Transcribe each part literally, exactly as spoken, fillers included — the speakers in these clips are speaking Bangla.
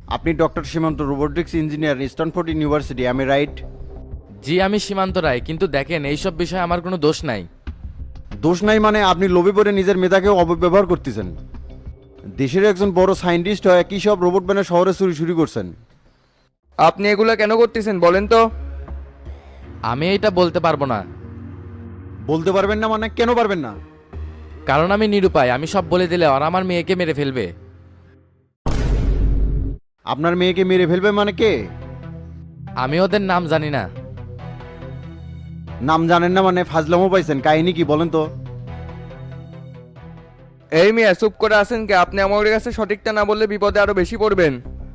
আপনি doctor Simanta robotics engineer Stanford university, আমি রাইট? জি আমি সীমান্ত রায়, কিন্তু দেখেন এইসব বিষয়ে আমার কোনো দোষ নাই। দোষ নাই মানে আপনি লোভে পড়ে নিজের মেধাকেও অপব্যবহার করতেছেন। দেশের একজন বড় সায়েন্টিস্ট হয়ে কি সব রোবট বানিয়ে শহরে চুরি শুরু করছেন? আপনি এগুলো কেন করতেছেন বলেন তো? আমি এটা বলতে পারবো না, বলতে পারবেন না মানে কেন পারবেন না? কারণ আমি নিরুপায়। আমি সব বলে দিলে ওরা আমার মেয়েকে মেরে ফেলবে। আপনার মেয়েকে মেরে ফেলবে মানে কে? আমি ওদের নাম জানি না। নাম জানেন না মানে ফাজলামো পাইছেন, কাহিনী কি বলেন তো? এই মিয়া চুপ করে আছেন কে? আপনি আমাদের কাছে সঠিকটা না বললে বিপদে আরো বেশি পড়বেন।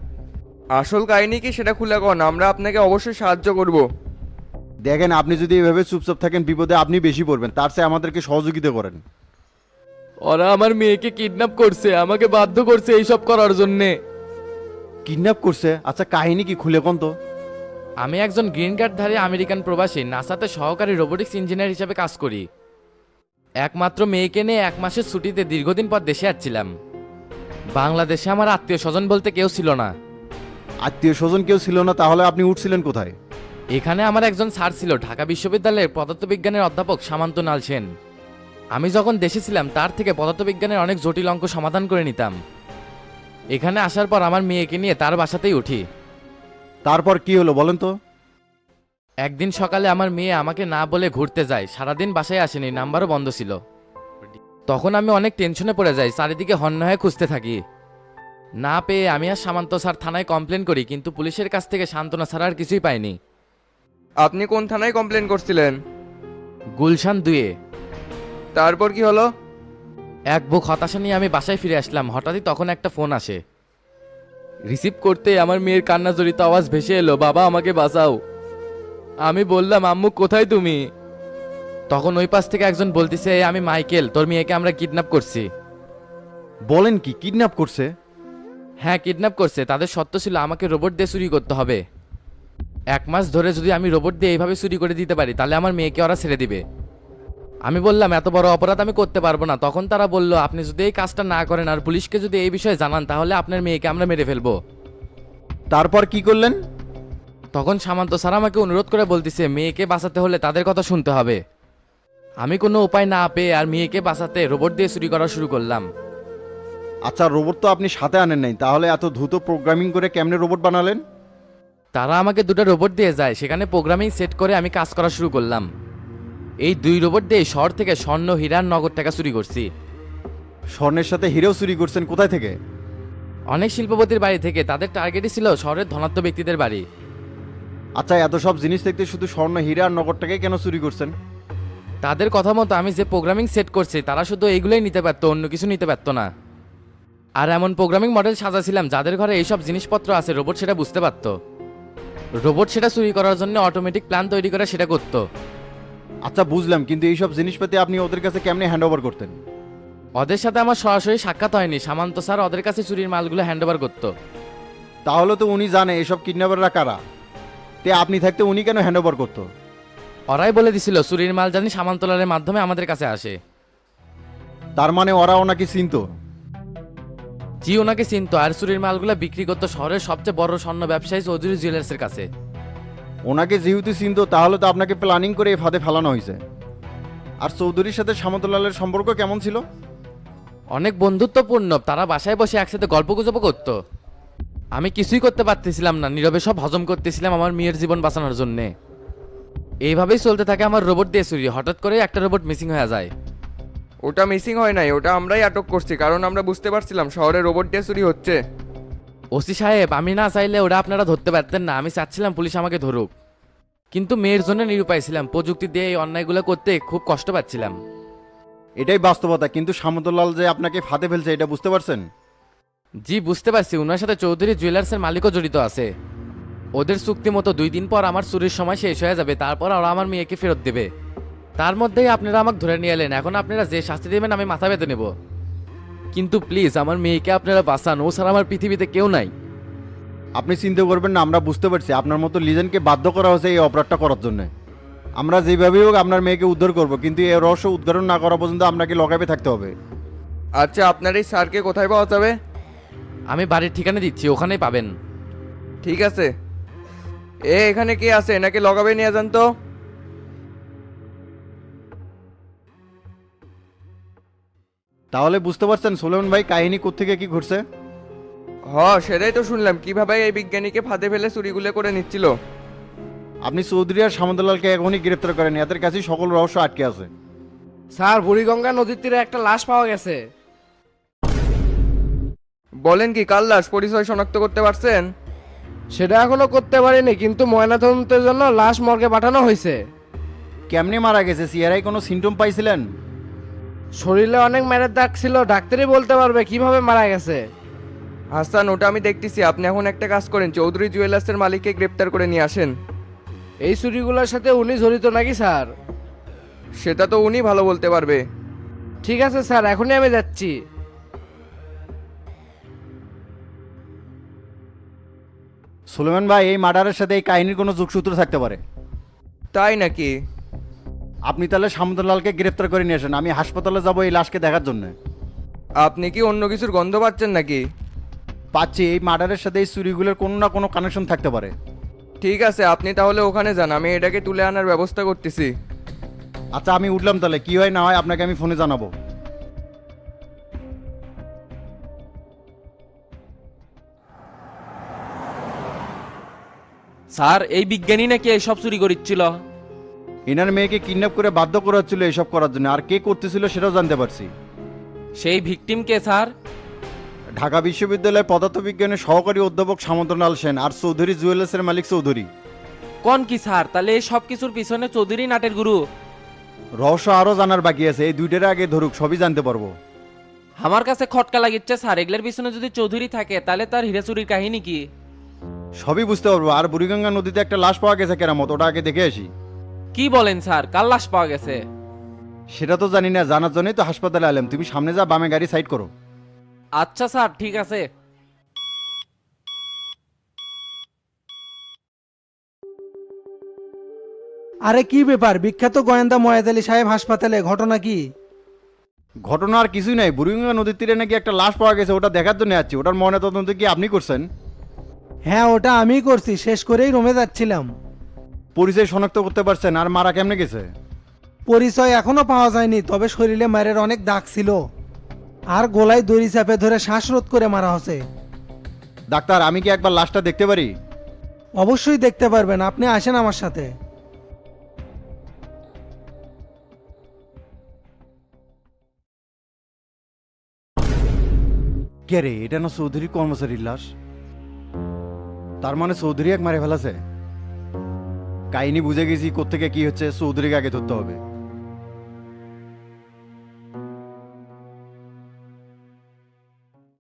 আসল কাহিনী কি সেটা খুলে কন, আমরা আপনাকে অবশ্যই সাহায্য করব। দেখেন, আপনি যদি এভাবে চুপচাপ থাকেন বিপদে আপনি বেশি পড়বেন, তার চেয়ে আমাদেরকে সহযোগিতা করেন। ওরা আমার মেয়েকে কিডন্যাপ করছে, আমাকে বাধ্য করছে এইসব করার জন্যে। কিডন্যাপ করছে? আচ্ছা কাহিনী কি খুলে কোন তো? আমি একজন গ্রিন কার্ডধারী আমেরিকান প্রবাসী, নাসাতে সহকারী রোবোটিক্স ইঞ্জিনিয়ার হিসেবে কাজ করি। একমাত্র মেয়েকে নিয়ে এক মাসের ছুটিতে দীর্ঘদিন পর দেশে আসছিলাম। বাংলাদেশে আমার আত্মীয় স্বজন বলতে কেউ ছিল না। আত্মীয় স্বজন কেউ ছিল না? তাহলে আপনি উঠছিলেন কোথায়? এখানে আমার একজন স্যার ছিল, ঢাকা বিশ্ববিদ্যালয়ের পদার্থবিজ্ঞানের অধ্যাপক সামান্ত নাল সেন। আমি যখন দেশে ছিলাম তার থেকে পদার্থবিজ্ঞানের অনেক জটিল অঙ্ক সমাধান করে নিতাম। এখানে আসার পর আমার মেয়েকে নিয়ে তার বাসাতেই উঠি। তারপর কি হলো বলেন তো? একদিন সকালে আমার মেয়ে আমাকে না বলে ঘুরতে যায়, সারাদিন বাসায় আসেনি, নাম্বারও বন্ধ ছিল। তখন আমি অনেক টেনশনে পড়ে যাই, চারিদিকে হন্য হয়ে খুঁজতে থাকি। না পেয়ে আমি আর সামান্ত স্যার থানায় কমপ্লেন করি, কিন্তু পুলিশের কাছ থেকে সান্ত্বনা ছাড়া আর কিছুই পাইনি। আপনি কোন থানায় কমপ্লেন করছিলেন? গুলশান দুয়ে। তারপর কি হলো? এক বুক হতাশা নিয়ে আমি বাসায় ফিরে আসলাম। হঠাৎই তখন একটা ফোন আসে। রিসিভ করতে আমার মেয়ের কান্না জড়িত আওয়াজ ভেসে এলো, বাবা আমাকে বাঁচাও। আমি বললাম, আম্মু কোথায় তুমি? তখন ওই পাশ থেকে একজন বলতেছে, আমি মাইকেল, তোর মেয়েকে আমরা কিডন্যাপ করছি। বলেন কি, কিডন্যাপ করছে? হ্যাঁ কিডন্যাপ করছে। তাদের সত্য ছিল আমাকে রোবট দিয়ে চুরি করতে হবে। এক মাস ধরে যদি আমি রোবট দিয়ে এইভাবে চুরি করে দিতে পারি তাহলে আমার মেয়েকে ওরা ছেড়ে দিবে। আমি বললাম, এত বড় অপরাধ আমি করতে পারবো না। তখন তারা বলল, আপনি যদি এই কাজটা না করেন আর পুলিশকে যদি এই বিষয়ে জানান তাহলে আপনার মেয়েকে আমরা মেরে ফেলবো। তারপর কি করলেন? তখন সামান্ত স্যার আমাকে অনুরোধ করে বলতেছে, মেয়েকে বাঁচাতে হলে তাদের কথা শুনতে হবে। আমি কোনো উপায় না পেয়ে আর মেয়েকে বাঁচাতে রোবট দিয়ে চুরি করা শুরু করলাম। আচ্ছা, রোবট তো আপনি সাথে আনেন নাই, তাহলে এত দ্রুত প্রোগ্রামিং করে কেমনে রোবট বানালেন? তারা আমাকে দুটো রোবট দিয়ে যায়, সেখানে প্রোগ্রামিং সেট করে আমি কাজ করা শুরু করলাম। এই দুই রোবট দিয়ে শহর থেকে স্বর্ণ, হীরার, নগদ টাকা চুরি করছি। স্বর্ণের সাথে হিরেও চুরি করছেন? কোথায় থেকে? অনেক শিল্পপতির বাড়ি থেকে। তাদের টার্গেটই ছিল শহরের ধনাত্ম ব্যক্তিদের বাড়ি। আচ্ছা, এত সব জিনিস দেখতে শুধু স্বর্ণ, হীরা আর নগদটাকে কেন চুরি করছেন? তাদের কথা মতো আমি যে প্রোগ্রামিং সেট করছি তারা শুধু এইগুলোই নিতে পারতো, অন্য কিছু নিতে পারতো না। আর এমন প্রোগ্রামিং মডেল সাজাছিলাম যাদের ঘরে এইসব জিনিসপত্র আছে রোবট সেটা বুঝতে পারতো। রোবট সেটা চুরি করার জন্য অটোমেটিক প্ল্যান তৈরি করে সেটা করতো। আচ্ছা বুঝলাম, কিন্তু এইসব জিনিসপাতি আপনি ওদের কাছে কেমনে হ্যান্ড ওভার করতেন? ওদের সাথে আমার সরাসরি সাক্ষাৎ হয়নি, সামান্ত স্যার ওদের কাছে চুরির মালগুলো হ্যান্ড ওভার করতো। তাহলে তো উনি জানে এসব কিডন্যাপাররা কারা, তে আপনি থাকতে উনি কেন হ্যান্ড ওভার করতো? ওরাই বলে দিছিল চুরির মাল জানি সামান্তলালের মাধ্যমে আমাদের কাছে আসে। তার মানে ওরা ওনাকে চিনতো? জি ওনাকে চিনতো, আর চুরির মালগুলো বিক্রি করতো শহরের সবচেয়ে বড় স্বর্ণ ব্যবসায়ী চৌধুরী জুয়েলার্সের কাছে। ওনাকে যেহেতু চিনতো তাহলে তো আপনাকে প্ল্যানিং করে এই ফাঁদে ফেলানো হয়েছে। আর চৌধুরীর সাথে সামন্তলালের সম্পর্ক কেমন ছিল? অনেক বন্ধুত্বপূর্ণ। তারা বাসায় বসে একসাথে গল্প গুজব করতো। আমি কিছুই করতে পারতেছিলাম না, নীরবে সব হজম করতেছিলাম আমার মেয়ের জীবন বাঁচানোর জন্য। এইভাবেই চলতে থাকে আমার রোবট দিয়ে চুরি। হঠাৎ করে একটা রোবট মিসিং হয়ে যায়। ওটা মিসিং হয় নাই, ওটা আমরাই আটক করছি, কারণ আমরা বুঝতে পারছিলাম শহরে রোবট দিয়ে চুরি হচ্ছে। ওসি সাহেব, আমি না চাইলে ওরা আপনারা ধরতে পারতেন না। আমি চাচ্ছিলাম পুলিশ আমাকে ধরুক, কিন্তু মেয়ের জন্য নিরুপায় ছিলাম। প্রযুক্তি দিয়ে এই অন্যায়গুলো করতে খুব কষ্ট পাচ্ছিলাম। এটাই বাস্তবতা, কিন্তু সামন্তলাল যে আপনাকে ফাঁদে ফেলছে এটা বুঝতে পারছেন? জি বুঝতে পারছি। ওনার সাথে চৌধুরী জুয়েলার্সের মালিকও জড়িত আছে। ওদের চুক্তি মতো দুই দিন পর আমার চুরির সময় শেষ হয়ে যাবে, তারপর ওরা আমার মেয়েকে ফেরত দেবে। তার মধ্যেই আপনারা আমাকে ধরে নিয়ে এলেন। এখন আপনারা যে শাস্তি দেবেন আমি মাথা পেতে নেব, কিন্তু প্লিজ আমার মেয়েকে আপনারা বাঁচান। ও ছাড়া আমার পৃথিবীতে কেউ নাই। আপনি চিন্তা করবেন না, আমরা বুঝতে পারছি আপনার মতো লিজেন্ডকে বাধ্য করা হয়েছে এই অপরাধটা করার জন্য। আমরা যেভাবেই হোক আপনার মেয়েকে উদ্ধার করব, কিন্তু এই রহস্য উদ্ঘাটন না করা পর্যন্ত আপনাকে লকাপে থাকতে হবে। আচ্ছা, আপনার এই স্যারকে কোথায় পাওয়া যাবে? আমি বাড়ির ঠিকানা দিচ্ছি, ওখানেই পাবেন। ঠিক আছে। এ এখানে কে আছে নাকি লগাবে নিয়ে যান তো। তাহলে বুঝতে পারছেন সোলেমান ভাই কাহিনী কোত্থেকে কি ঘটছে? হ, সেটাই তো শুনলাম কিভাবে এই বিজ্ঞানীকে ফাঁদে ফেলে চুরিগুলো করে নিচ্ছিল। আপনি চৌধুরী আর সামন্তলালকে এখনই গ্রেপ্তার করেন, এদের কাছেই সকল রহস্য আটকে আছে। স্যার, বুড়িগঙ্গা নদীর তীরে একটা লাশ পাওয়া গেছে। বলেন কি, কার লাশ? পরিচয় শনাক্ত করতে পারছেন? সেটা এখনো করতে পারিনি, কিন্তু ময়নাতদন্তের জন্য লাশ মর্গে পাঠানো হয়েছে। কেমনে মারা গেছে? সিআরআই কোনো সিমটম পাইছিলেন? শরীরে অনেক মেরের দাগ ছিল, ডাক্তারই বলতে পারবে কিভাবে মারা গেছে। হাসান, ওটা আমি দেখতেছি। আপনি এখন একটা কাজ করেন, চৌধুরী জুয়েলার্সের মালিককে গ্রেপ্তার করে নিয়ে আসেন। এই চুরিগুলোর সাথে উনি জড়িত নাকি স্যার? সেটা তো উনি ভালো বলতে পারবে। ঠিক আছে স্যার, এখনই আমি যাচ্ছি। সুলেমান ভাই, এই মার্ডারের সাথে এই কাহিনীর কোনো যোগসূত্র থাকতে পারে। তাই নাকি? আপনি তাহলে সামন্তলালকে গ্রেপ্তার করে নিয়ে আসেন, আমি হাসপাতালে যাব এই লাশকে দেখার জন্য। আপনি কি অন্য কিছুর গন্ধ পাচ্ছেন নাকি? পাচ্ছি, এই মার্ডারের সাথে এই চুরিগুলোর কোনো না কোনো কানেকশন থাকতে পারে। ঠিক আছে, আপনি তাহলে ওখানে যান, আমি এটাকে তুলে আনার ব্যবস্থা করতেছি। আচ্ছা, আমি উঠলাম, তাহলে কি হয় না হয় আপনাকে আমি ফোনে জানাবো। স্যার, এই বিজ্ঞানী নাকি এইসব চুরি করিচ্ছিল। এনার মেয়েকে কিডন্যাপ করে বাধ্য করা হচ্ছিল এসব করার জন্য, আর কে করতেছিল সেটাও জানতে পারছি। সেই ভিকটিম কে স্যার? ঢাকা বিশ্ববিদ্যালয়ের পদার্থবিজ্ঞানের সহকারী অধ্যাপক সামন্তলাল সেন আর চৌধুরী জুয়েলার্সের মালিক চৌধুরী। কোন কি স্যার? তাহলে এই সব কিছুর পিছনে চৌধুরী নাটের গুরু। রহস্য আরও জানার বাকি আছে, এই দুইটার আগে ধরুক, সবই জানতে পারবো। আমার কাছে খটকা লাগিচ্ছে স্যার, এগুলোর পিছনে যদি চৌধুরী থাকে তাহলে তার হীরা চুরির কাহিনী কি? সবই বুঝতে পারবো। আর বুড়িগঙ্গা নদীতে একটা লাশ পাওয়া গেছে কেরামত, ওটা আগে দেখে আসি। কি বলেন স্যার? কার লাশ পাওয়া গেছে? সেটা তো জানি না, জানার জন্যই তো হাসপাতালে এলাম। তুমি সামনে যা, বামে গাড়ি সাইড করো। আচ্ছা স্যার, ঠিক আছে। আরে কি ব্যাপার, বিখ্যাত গোয়েন্দা ময়াদ আলী সাহেব হাসপাতালে, ঘটনা কি? ঘটনা আর কিছুই নাই, বুড়িগঙ্গা নদীর তীরে নাকি একটা লাশ পাওয়া গেছে, ওটা দেখার জন্য যাচ্ছি। ওটার ময়নাতদন্ত কি আপনি করছেন? হ্যাঁ, ওটা আমিই করছি, শেষ করেই রোমে যাচ্ছিলাম। পরিচয় শনাক্ত করতে পারছেন? আর মারা কেমনে গেছে? পরিচয় এখনো পাওয়া যায়নি, তবে শরীরে মায়ের অনেক দাগ ছিল, আর গলায় দড়ি চাপে ধরে শ্বাসরোধ করে মারা হচ্ছে। ডাক্তার, আমি কি একবার লাশটা দেখতে পারি? অবশ্যই দেখতে পারবেন, আপনি আসেন আমার সাথে। কে রে, এটা না চৌধুরী কর্মচারীর লাশ? তার মানে চৌধুরী এক মারে ফেলাছে। কাহিনী বুঝে গেছি কোত্থেকে কি হচ্ছে, চৌধুরীকে আগে ধরতে হবে।